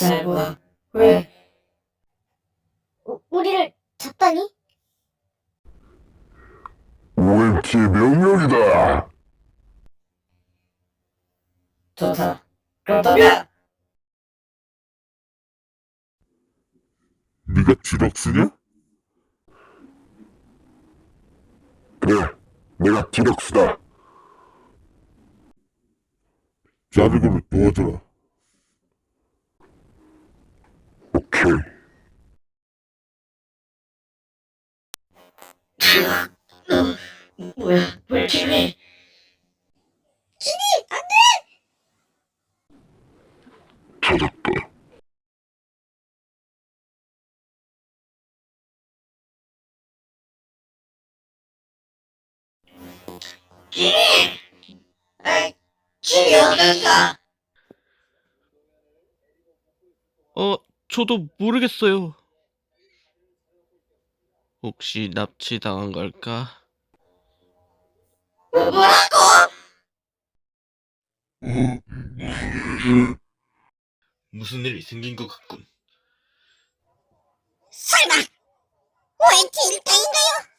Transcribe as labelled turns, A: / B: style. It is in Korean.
A: 셀바, 왜?
B: 우리를 잡다니?
C: OMT의 명령이다.
A: 좋다. 그렇다면
C: 네가 디럭스냐? 그래, 내가 디럭스다. 자르고를 도와줘라. 오케이.
A: 뭐야? 왜 김이?
C: 찾았다.
A: 김이 어딨어?
D: 저도 모르겠어요. 혹시 납치당한 걸까?
A: 뭐라고?
D: 무슨 일이 생긴 것 같군.
B: 설마 OMT 일당인가요?